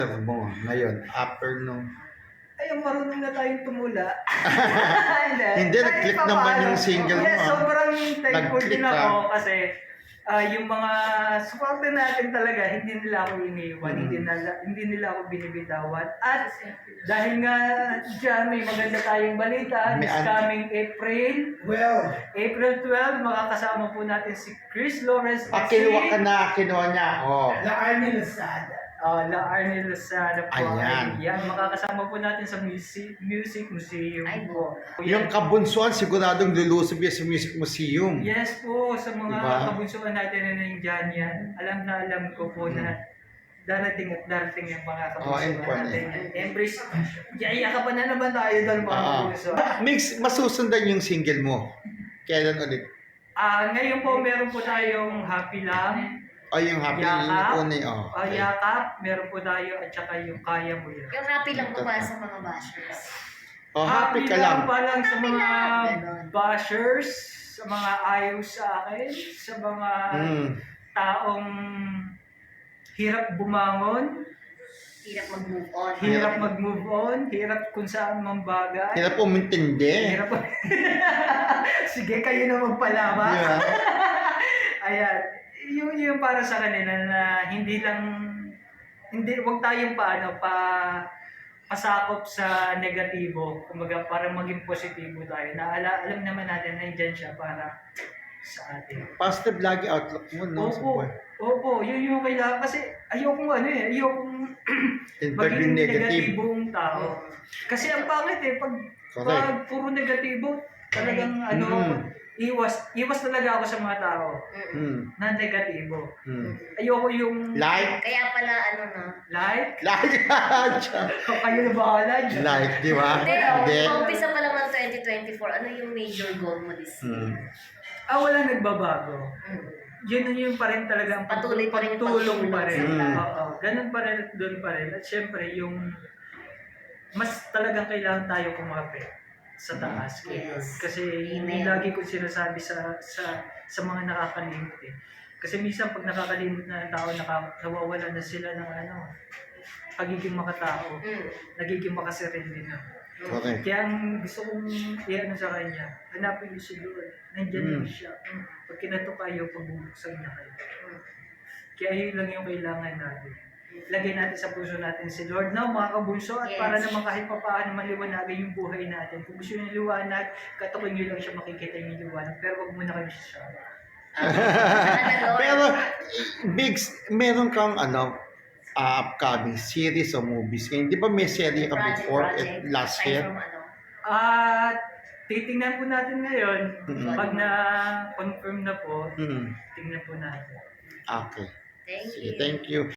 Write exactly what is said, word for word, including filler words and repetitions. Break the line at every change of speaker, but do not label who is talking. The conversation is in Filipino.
mo ngayon, after nung...
Ay, marunong na tayong tumula. Hindi,
Hindi, nag-click
Kahit
naman
papaano.
yung single mo,
Yes,
ah.
sobrang thankful
Nag-click
din ako
ka.
kasi ah, yung mga supporter natin talaga, hindi nila ako iniiwan,
Mm.
hindi, nila, hindi nila ako binibitawan. At dahil nga dyan, may maganda tayong balita,
May
this
an-
coming April,
Well,
April twelfth, makakasama po natin si Chris Lawrence.
Ah, kinuha ka na, kinuha niya ako.
La Arnie Lazada.
Uh, La Arnie Lozada po.
Ayan.
Yan, makakasama po natin sa music, music museum
Ay,
po.
Yung kabunsuan, siguradong lulusob yan sa Music Museum.
Yes po, sa mga
Diba?
kabunsuan natin na nandiyan yan, alam na alam ko po na darating at darating yung mga
Oh,
kabunsuan
important.
natin. Embrace, yaya ka pa na naman tayo doon mga
Ah.
kabunsuan.
Mix, masusundan yung single mo. Kailan ulit?
Ah, ngayon po meron po tayong Happy Lang,
O yung happy yung
Yakap,
una eh. Oh,
ah,
okay.
Yakap, meron po tayo at saka yung Kaya Mo Yan.
Yung happy lang po para sa mga bashers.
Oh, happy ka lang.
pa lang sa
Happy
mga
lang, ganon.
bashers, sa mga ayaw sa akin, sa mga
Mm.
taong hirap bumangon,
Hirap mag-move on.
hirap mag-move on, hirap kung saan mang bagay.
Hirap po mintindi.
Hirap Sige, kayo na magpalama.
Di ba?
Ayan, yung, yung para sa kanila na hindi lang, hindi, wag tayong paano, pa, pasakop sa negatibo. Kumbaga, para maging positibo tayo. Na ala, alam naman natin na nandyan siya para sa atin.
Positive lagi outlook mo, no? Sa
Opo,
buhay.
opo, yun yung kailangan. Kasi ayokong ano eh, ayokong
Pag
maging
negative.
negatibong tao. Kasi ang pangit eh, pag,
Correct.
pag puro negatibo, talagang ano,
Mm.
iwas, iwas talaga ako sa mga tao
Mm.
Hmm.
na negatibo.
Hmm.
Ayoko yung
Like?
Kaya pala ano na.
like,
Like?
kayo na bahala dyan.
Like, di ba?
Hindi,
Hindi.
umpisa pa lang ng twenty twenty-four. Ano yung major goal mo this year?
Hmm.
Ah, wala nagbabago.
Mm.
Yun na yung pa rin talaga ang
Patuloy pa rin yung
pagtulong pa rin.
pagtulong sa tao.
Oo, ganun pa rin at doon pa rin. At syempre, yung mas talagang kailangan tayo kumapit sa taas. kay Lord.
Yes.
Kasi yun
Amen.
yung lagi ko sinasabi sa sa sa mga nakakalimot eh. Kasi minsan pag nakakalimot na ng tao, naka, nawawala na sila ng ano, pagiging makatao.
Mm.
Nagiging makasarili na.
Correct.
Kaya ang gusto kong i-ano sa kanya, hanapin niyo si Lord. Nandiyan
Mm.
lang siya. Mm. Pag kinato kayo, pagbubuksan niya kayo. Mm. Kaya yun lang yung kailangan natin. Lagay natin sa puso natin si Lord na mga kabunso at
Yes.
para naman kahit pa paano maliwanagan yung buhay natin. Kung gusto niyo liwanag, katukin niyo lang siya makikita yung liwanag. Pero wag muna kayo siya.
Sana, Lord.
Pero, Bigs, meron kang ano, uh, upcoming series o movies. Ngayon, di ba may serie ka
Project,
before
project.
at last
Aside
year?
from ano.
At titingnan po natin ngayon,
Mm.
pag na-confirm na po,
Hmm.
tingnan po natin.
Okay.
Thank
Sige,
you.
thank you.